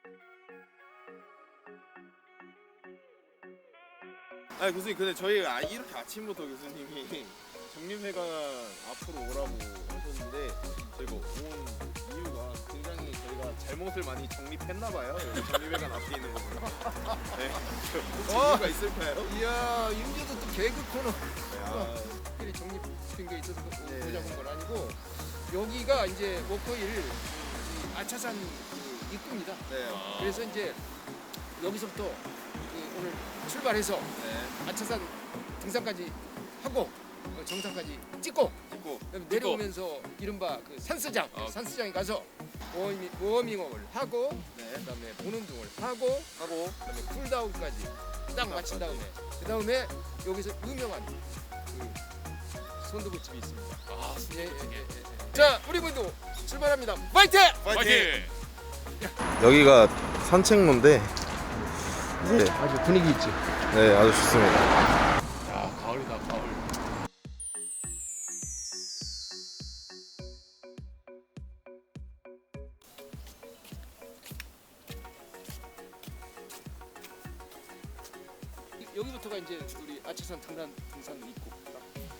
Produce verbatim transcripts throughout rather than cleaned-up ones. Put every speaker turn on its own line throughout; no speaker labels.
아 교수님 근데 저희 아, 이렇게 아침부터 교수님이 정림회관 앞으로 오라고 하셨는데 저희가 온 이유가 굉장히 저희가 잘못을 많이 정립했나봐요. 여기 정림회관 앞에 있는 거보다. 네. 혹시
어!
이유가 있을까요?
이야, 윤재도 또 개그 코너.
야,
특별히 정립된 게 있어서
네.
보자는 건 아니고 여기가 이제 워커힐 이 아차산 그 입구입니다.
네.
그래서 이제 여기서부터 그 오늘 출발해서
네.
아차산 등산까지 하고 어, 정상까지 찍고
찍고
그다음에 내려오면서 이른바 그 산스장
아.
산스장에 가서 워밍, 워밍업을 하고
네.
그다음에 보는 등을 하고
하고
그다음에 쿨다운까지 딱 마친 다음에 그 다음에 여기서 유명한 그 손두부집이 있습니다.
아,
예, 예, 예, 예. 자, 우리 모두 출발합니다. 파이팅!
파이팅!
여기가 산책로인데 네,
아주 분위기 있지.
네 아주 좋습니다.
야, 가을이다, 가을.
여기부터가 이제 우리 아차산 등산 등산 입구. 딱.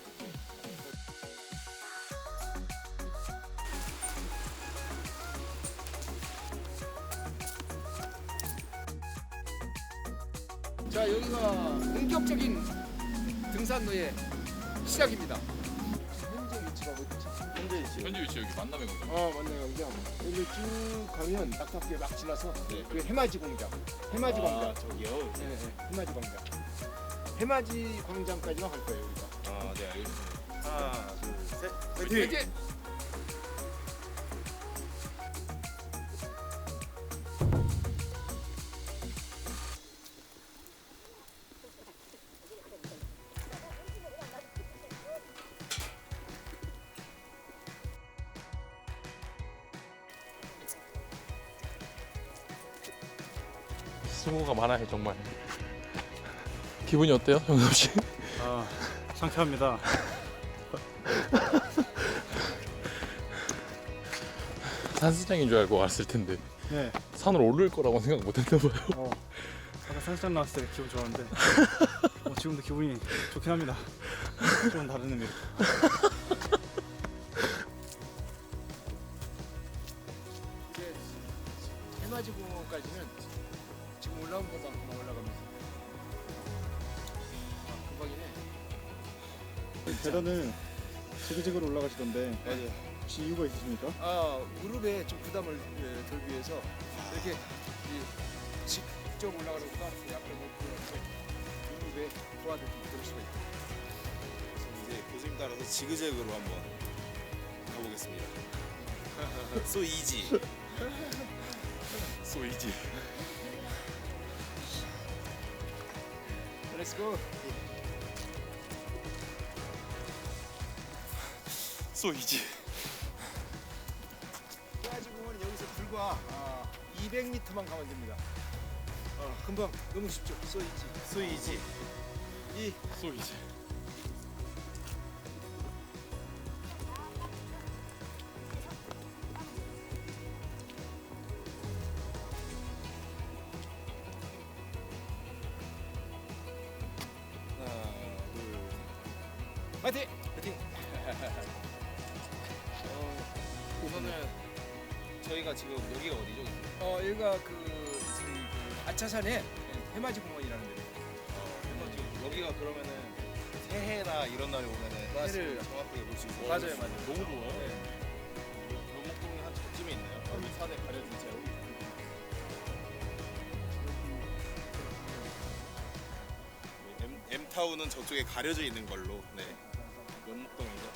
자, 여기가 본격적인 등산로의 시작입니다. 현재 위치가 어디지?
현재 지금
현지 위치 여기 만남의 공장.
어, 맞네요. 공장. 여기 쭉 가면 낙탑길 막 지나서
네.
그 해맞이 공장. 해맞이 광장.
아, 저기요.
네, 네. 해맞이 광장. 해맞이 광장까지만 갈 거예요, 우리가.
아, 네 알겠습니다. 하나, 둘, 셋. 파이팅!
이제
수고가 많아요, 정말. 기분이 어때요, 정섭 씨?
아, 상쾌합니다.
산수장인 줄 알고 왔을 텐데
네.
산을 오를 거라고 생각 못 했나 봐요.
어, 아까 산수장 나왔을 때 기분 좋았는데 어, 지금도 기분이 좋긴 합니다. 좀 다른 의미로.
이제 해맞이 공원까지는 지금 올라온 것보다 금방 올라가면서. 아, 금방이네.
계단은 지그재그로 올라가시던데
맞아요.
혹시 이유가 있으십니까?
아, 무릎에 좀 부담을 예, 덜기 위해서 이렇게 이 직접 올라가는 것보다 약간 높고 이렇게 무릎에 도와줄 들 수가 있다.
그래서 이제 교수님 따라서 지그재그로 한번 가보겠습니다. So easy.
So easy.
Let's go.
So easy.
해맞이 공원은 여기서 불과 아, 이백 미터만 가면 됩니다. 어, 금방 너무 쉽죠. 쏘이지.
So easy.
이
So easy.
하나, 둘.
파이팅! 파이팅!
어, 우선은 저희가 지금 여기가 어디죠?
어, 여기가 그, 저희 그 아차산의 해맞이 공원이라는 데예요.
어, 해서 지금 여기가 그러면은 새해나 이런 날에 오면은 해를
맞습니다.
정확하게 볼 수 있어요.
맞아요, 맞아요.
너무 좋아요. 연목동이 한 저쯤에 있나요? 여기 산에 가려진 채로. M M타운은 저쪽에 가려져 있는 걸로. 네. 연목동이죠.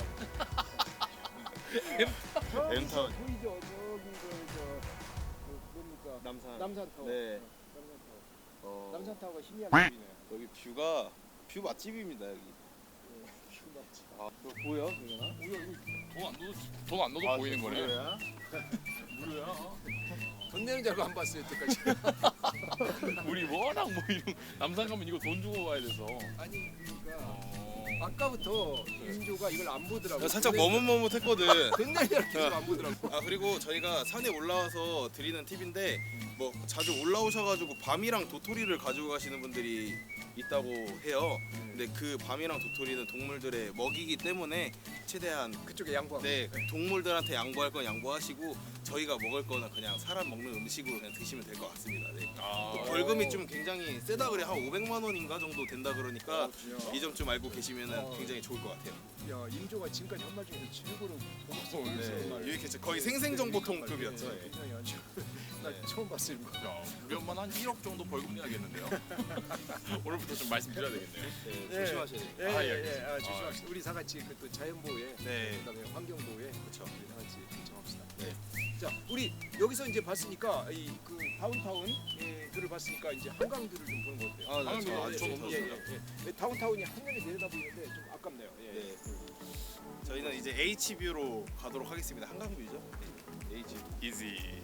M타운. M타운.
보이죠? 저기 그, 저, 그 뭡니까?
남산.
남산타워.
네.
어, 남산타워.
어,
남산타워가 희미하게 보이네요.
여기 뷰가 뷰 맛집입니다 여기.
뷰 맛집.
아, 그거 보여? 그러나?
돈안 넣어도 돈안 넣어도
아,
보이는 거네.
무료야?
무료야.
돈 내는 줄 알고 안 봤어요, 여태까지.
우리 워낙 뭐 이런 남산 가면 이거 돈 주고 가야 돼서.
아니, 그러니까
어.
아까부터 임조가 이걸 안 보더라고.
야, 살짝 머뭇머뭇했거든.
맨날 이렇게 안 보더라고.
아 그리고 저희가 산에 올라와서 드리는 팁인데 뭐 자주 올라오셔가지고 밤이랑 도토리를 가지고 가시는 분들이 있다고 해요. 근데 그 밤이랑 도토리는 동물들의 먹이기 때문에 최대한
그쪽에 양보.
네 동물들한테 양보할 건 양보하시고 저희가 먹을 거는 그냥 사람 먹는 음식으로 그냥 드시면 될 것 같습니다. 네. 또 벌금이 좀 굉장히 세다 그래 한 오백만 원인가 정도 된다 그러니까 이 점 좀 알고 계시면은
어.
굉장히 좋을 것 같아요.
야 임조가 지금까지 한 말 중에서 최고로 고급스러워.
네, 유익했죠. 거의 생생정보통급이었죠. 예.
굉장히 아주 나
네.
처음 봤어요. 이거.
야, 우리 엄마는 한 일억 정도 벌금 내야겠는데요. 오늘부터 좀 말씀드려야 되겠네요.
네,
예.
조심하셔야 돼요.
예,
아,
예,
예,
예.
알겠습니다.
아, 조심합시다. 우리 다 같이 그또 자연 보호에,
네.
그다음에 환경 보호에,
그렇죠.
우리 다 같이 정합시다.
네.
자, 우리 여기서 이제 봤으니까 이 그 다운타운 예, 뷰를 봤으니까 이제 한강뷰를 좀 보는 거 어때요?
아, 네,
한강뷰
저-
아주
저도
예,
좋습니다.
예, 예. 다운타운이 한면에 내려다 보이는데 좀 아깝네요. 예.
네. 저희는 이제 H뷰로 가도록 하겠습니다. 한강뷰죠? 네. H.
이지.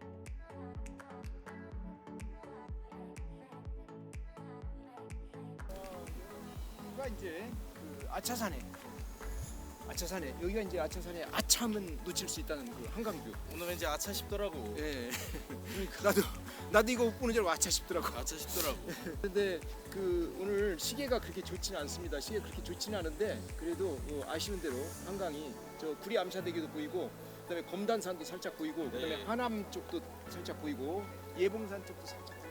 여기가 이제 그 아차산에 아차산에 여기가 이제 아차산에 아차하면 놓칠 수 있다는 그 한강뷰.
오늘 왠지 아차 싶더라고.
예. 나도 나도 이거 보는 줄 알고 아차 싶더라고.
아차 싶더라고.
근데 그 오늘 시계가 그렇게 좋지는 않습니다. 시계 그렇게 좋지는 않은데 그래도 어, 아시는 대로 한강이 저 구리 암사대교도 보이고 그다음에 검단산도 살짝 보이고 그다음에
네.
하남 쪽도 살짝 보이고 예봉산 쪽도 살짝 보이고.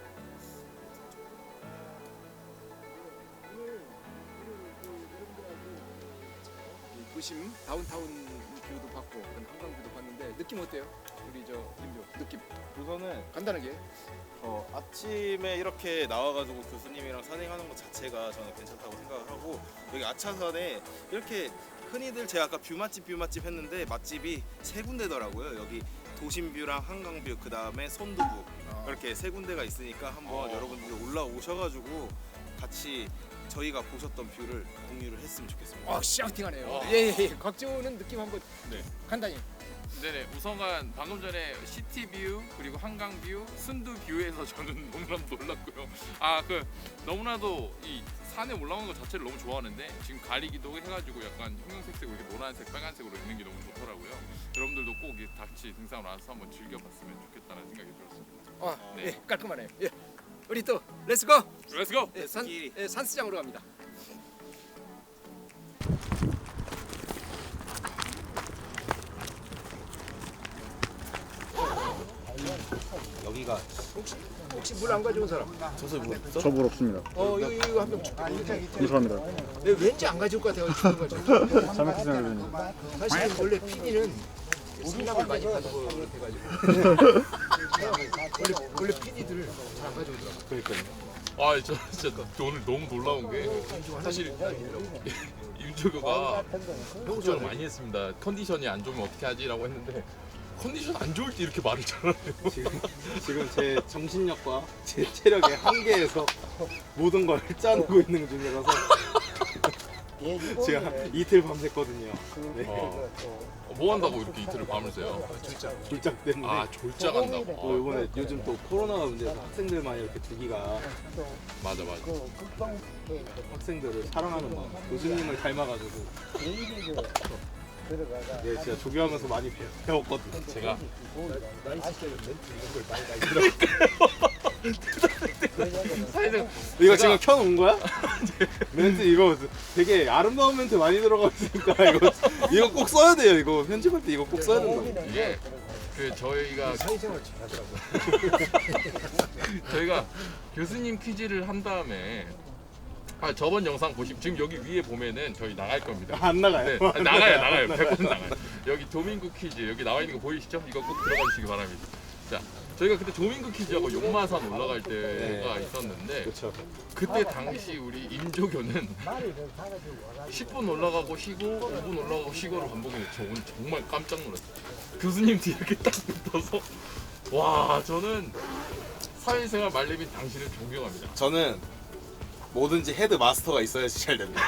오늘 오늘 그 여러분들하고 그 도심 다운타운 뷰도 봤고 그다음에 한강뷰도 봤는데 느낌 어때요? 우리 저 임조 느낌
우선은
간단하게.
어, 아침에 이렇게 나와가지고 교수님이랑 산행하는 것 자체가 저는 괜찮다고 생각을 하고 여기 아차산에 이렇게 흔히들 제가 아까 뷰 맛집 뷰 맛집 했는데 맛집이 세 군데더라고요. 여기 도심뷰랑 한강뷰 그 다음에 선두부 이렇게 세 군데가 있으니까 한번
어.
여러분들 올라오셔가지고 같이 저희가 보셨던 뷰를 공유를 했으면 좋겠습니다.
아 샤우팅하네요.
와.
예예 예. 곽지호는 느낌 한번
네.
간단히.
네네. 우선간 방금 전에 시티뷰 그리고 한강뷰, 순두뷰에서 저는 너무나도 놀랐고요. 아 그 너무나도 이 산에 올라오는 것 자체를 너무 좋아하는데 지금 가리기도 해가지고 약간 형형색색으로 이렇게 노란색, 빨간색으로 있는 게 너무 좋더라고요. 여러분들도 꼭 이 같이 등산을 와서 한번 즐겨봤으면 좋겠다는 생각이 들었습니다.
아,
네.
예, 깔끔하네요. 예. 우리 또 렛츠고.
렛츠고!
예, 산,
렛츠기.
예, 산수장으로 갑니다.
여기가
혹시 혹시 물 안 가져온 사람?
저 물 없습니다.
어, 이거 이거 한병
감사합니다.
네, 왠지 안 가져올 것 같아요. 주는 거 좀.
잘못했생각님
사실 원래 피디는 승낙을 많이 받은 거 같아가지고. 원래 원래 피디들 잘 안 가져오더라고.
그러니까요.
아, 저 진짜 오늘 너무 놀라운 게 사실 임조교가 걱정을 많이 했습니다. 컨디션이 안 좋으면 어떻게 하지라고 했는데 컨디션 안 좋을 때 이렇게 말을 잘하네요.
지금 지금 제 정신력과 제 체력의 한계에서 모든 걸 짜내고 있는 중이라서 제가 이틀 밤샜거든요. 네.
어, 뭐 한다고 이렇게 이틀을 밤을 새요?
졸작 때문에.
아, 졸작한다고.
또
아,
이번에 요즘 또 코로나가 문제여서 학생들만 이렇게 두기가
맞아 맞아.
학생들을 사랑하는 마음, 교수님을 닮아가지고 네, 진짜 조교하면서 많이 배, 배웠거든요.
제가 사실은
이거 지금 켜놓은 거야? 멘트 이거 되게 아름다운 멘트 많이 들어가 있으니까 이거 이거 꼭 써야 돼요. 이거 편집할 때 이거 꼭 써야 된다.
이게 그 저희가
사회생활 잘하더라고.
저희가 교수님 퀴즈를 한 다음에 아 저번 영상 보시면 지금 여기 위에 보면은 저희 나갈 겁니다.
안 나가요?
네, 아, 나가요, 나가요. 백 퍼센트 나가요. 여기 조민구 퀴즈 여기 나와 있는 거 보이시죠? 이거 꼭 들어가 주시기 바랍니다. 자, 저희가 그때 조민구 퀴즈하고 용마산 올라갈 때가 있었는데
그렇죠.
그때 당시 우리 임조교는 십 분 올라가고 쉬고 오 분 올라가고 쉬고를 반복했는데 저 오늘 정말 깜짝 놀랐어요. 교수님 뒤에 이렇게 딱 붙어서 와 저는 사회생활 말레빈 당신을 존경합니다.
저는 뭐든지 헤드 마스터가 있어야지 잘 됩니다.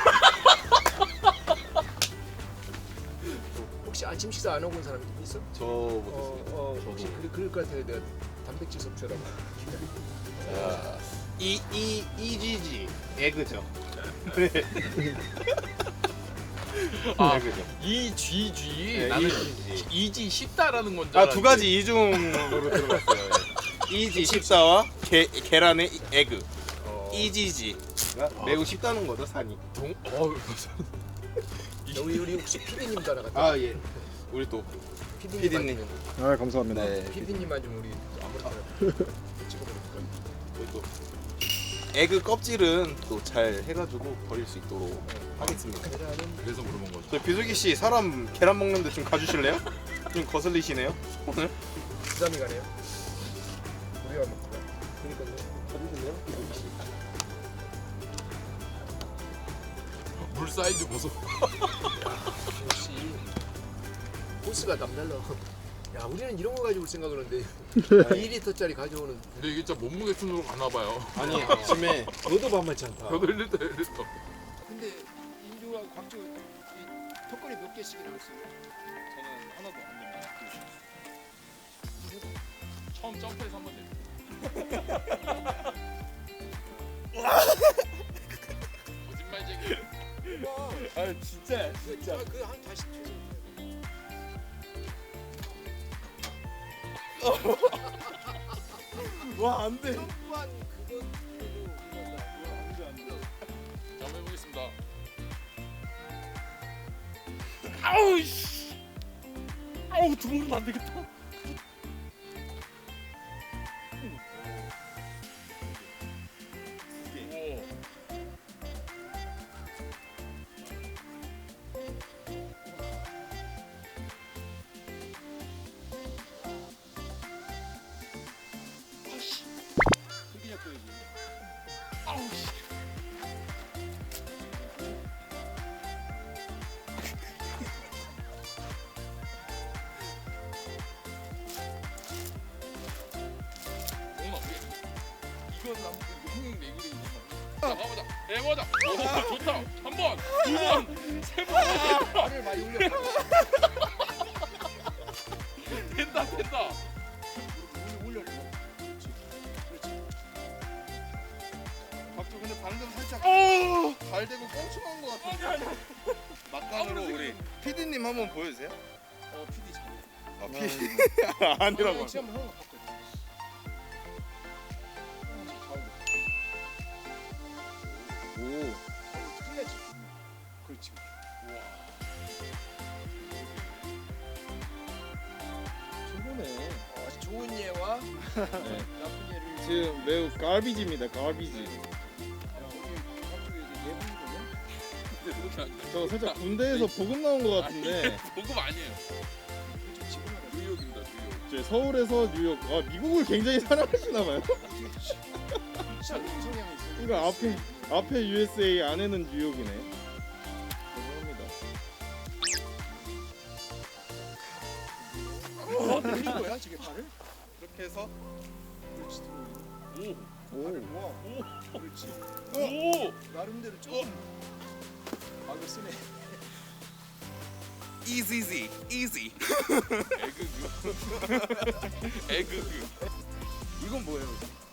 혹시 아침 식사 안 하고 온 사람 있어?
저
어,
못했어요.
어 혹시 그럴, 그럴 것 같아요. 내가 단백질 섭취라고.
이 이 이지지 에그죠.
아,
네, 그죠.
이지지.
네,
나는
이지.
이지 쉽다라는 건 줄
아,
알았는데.
두 가지 이중으로 들어갔어요. 예. 이지 십사와 게, 계란의 에그.
어,
이지지가 매우 쉽다는 거죠, 산이.
동, 어,
우리 우리 혹시 피디님 따라갔다.
아, 예. 우리 또
피디님.
피디님.
아 감사합니다.
네.
피디님만 좀 우리 아무렇게나 찍어버릴까.
우리 또 에그 껍질은 또 잘 해가지고 버릴 수 있도록 하겠습니다.
계란은
그래서 물어본 거죠.
저 비수기 씨 사람 계란 먹는데 좀 가주실래요? 좀 거슬리시네요 오늘.
부담이 가네요. 우리가 먹자. 그러니까요.
가주실래요, 비수기 씨?
물 사이즈 보소.
역시 호스가 남달라. 야 우리는 이런 거 가지고 생각을 하는데 이 리터짜리 가져오는.
근데 이게 진짜 몸무게 순으로 가나 봐요.
아니 아침에
너도 만만치 않다.
저도 일 리터 일 리터.
근데 인조하고 광주 이 턱걸이 몇 개씩이나 했어요?
저는 하나도 안 됩니다.
처음 점프해서 한번 내. 거짓말쟁이.
아 진짜 진짜.
그한 다시 퇴근.
와 안돼.
점프한 그거
안돼 안돼.
자, 한번 해보겠습니다.
아우 씨. 아우 두 번은 안 되겠다.
오.
크게 잡고야지.
아우 씨. 동훈아, 우리 이건 남 이거 흥행 내기를 이거. 자, 가보자. 해보자. 오, 좋다. 한 번, 두 번, 세 번. 된다.
발을 많이 올려.
된다, 된다.
올려. 그렇지. 그렇지.
박주 근데 방금 살짝
오.
발 대고 꽁충한 것 같은데. 막간으로 우리 피디님 한번 보여주세요.
어 피디 잘해.
아 피디 아니라고.
지금 한번 하고 바꿔.
오.
틀려지. 그렇지.
최고네.
어, 좋은 예와
네.
나쁜 예를.
지금 매우 갈비지입니다. 갈비지. 저 살짝 군대에서 보급 나온 것 같은데.
보급 아니에요. 뉴욕입니다, 뉴욕.
저 서울에서 뉴욕. 아 미국을 굉장히 사랑하시나 봐요.
성향이 있어.
그러니까 앞에 앞에 유에스에이 안에는 뉴욕이네. 죄송합니다.
어, 들린 거야, 저게 발을?
이렇게 해서
그렇지.
오.
발을 모아. 그렇지.
오.
나름대로 조금 막을 쓰네.
easy easy.
에그그. 에그그.
이건 뭐예요?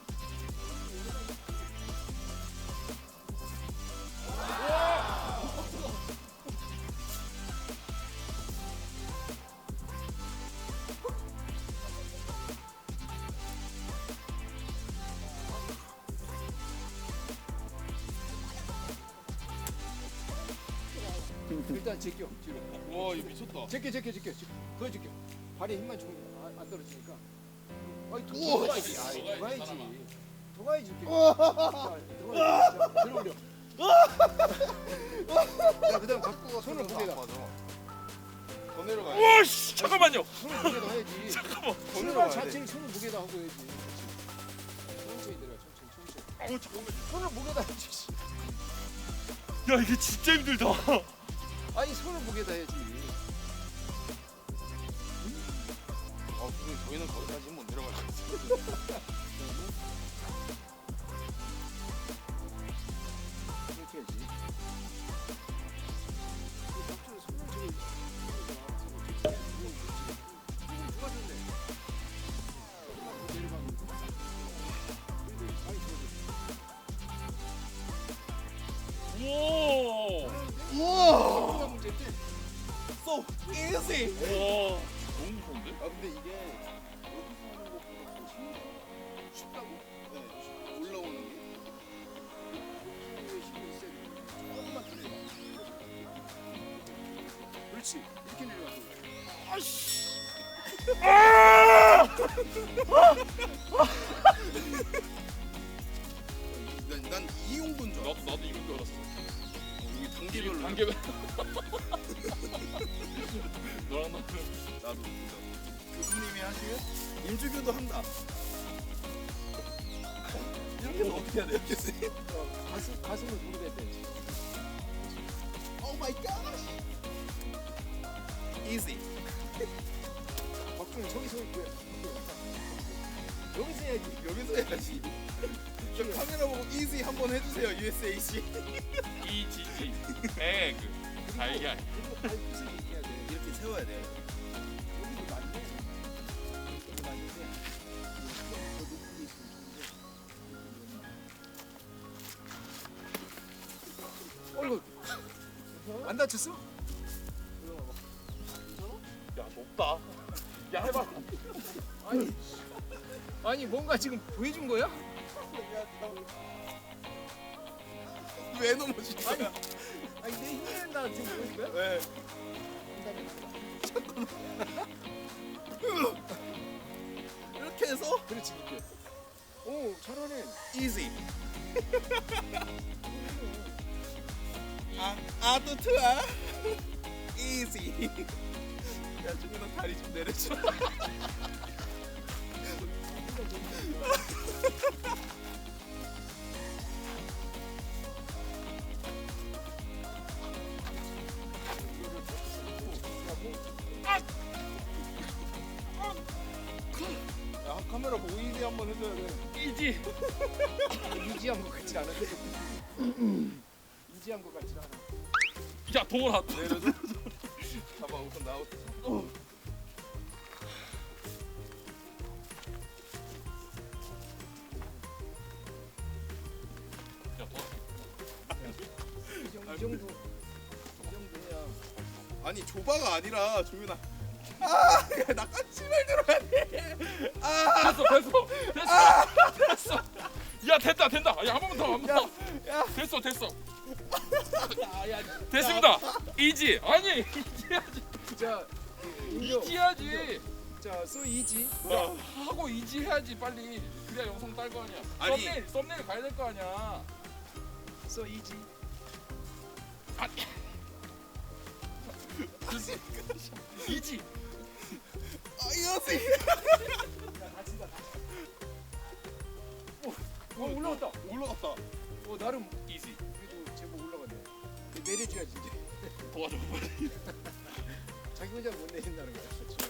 일단 제껴 뒤로.
와, 이거 미쳤다.
제껴 제껴 제껴. 그거 제껴. 발에 힘만 주면 안, 안 떨어지니까. 아이 더, 더 가야지. 아이 더 가야지. 더 가야지. 이렇게. 자, 더 가야지. 들어 올려. 자 그다음 갖고 손을 무게다.
더 내려가야.
와, 씨. 잠깐만요.
손을 무게다 해야지.
잠깐만.
출발 자체를 손을 무게다 하고 해야지. 천천히 내려. 천천히 천천히.
어, 잠깐만.
손을 무게다 해야지.
야, 이게 진짜 힘들다.
아니 손을 무게다 해야지.
아 근데 저희는 거기까지 못 내려갈 것 같아요.
이렇게 해야지. 박주는 손을 저기 누가 줬네. 내려가면 아니 저기.
easy.
와 너무 무서운데?
아 근데 이게 여기서 하는 것보다 더 쉽네요.
쉽다고?
네, 쉽- 올라오는 게.
힘을 힘을 세게. 조금만 더 내려. 그렇지. 이렇게 내려가서. 아씨.
난, 난 이용도인 줄 알았어.
나도 나도 이런 줄 알았어.
여기 단계별로.
단계별. 너랑 나는
나도 진짜. 교수님이 하시면 임주교도 한다. 이렇게 어떻게 해야 돼요, 교수님?
어, 가슴 가슴을 무릎에 대지.
오 마이 갓. easy.
박준이 저기 서 있고요. 여기서 해야지.
여기서 해야지. 저 카메라 보고 easy 한번 해주세요, 유에스에이씨.
이지지 에그 달걀.
그리고 발끝을 이렇게 해야 돼.
이렇게 세워야 돼.
여기도 맞네. 여기도 맞는데 더 높은 게 있으면 좋은데. 어이구. 안 다쳤어?
야 높다. 야 해봐.
아니 아니 뭔가 지금 보여준 거야?
왜 넘어진 거야?
아니 내 힘이 된다 지금 보여준 거야?
왜? 이렇게 해서
그렇지 이렇게. 오 잘하네.
easy. 아, 아또 투아. easy. 야, 준민아 다리 좀 내려줘. 야, 카메라 보고 easy 한번 해줘야 돼.
이지.
이지한 것 같지 않은데. 이지한 것 같지 않아.
야 동원아.
내려줘. 봐봐, 우선 나부터.
야 동원.
이 정도 이 정도 이 정도 해야.
아니 조바가 아니라 종윤아. 아, 야, 나 까치발 들어야 돼. 아,
됐어 됐어 됐어 됐어. 야 됐다 된다. 야 한 번만 더 한 번 더.
야.
됐어 됐어.
아, 야,
됐습니다. 이지 아니 이지야지.
자, 인정.
이지야지.
자, 소 이지.
야 하고 이지 해야지 빨리. 그래야 영상 딸 거 아니야.
아니.
썸네일 썸네일 가야 될 거 아니야.
소 이지.
아, 이지.
아, 이거지.
야, 다친다. 어, 올라갔다.
올라갔다.
어, 나름
이지.
그래도 제법 올라갔네. 내려줘야지 이제.
도와줘 빨리.
자기 혼자 못 내린다는 거야.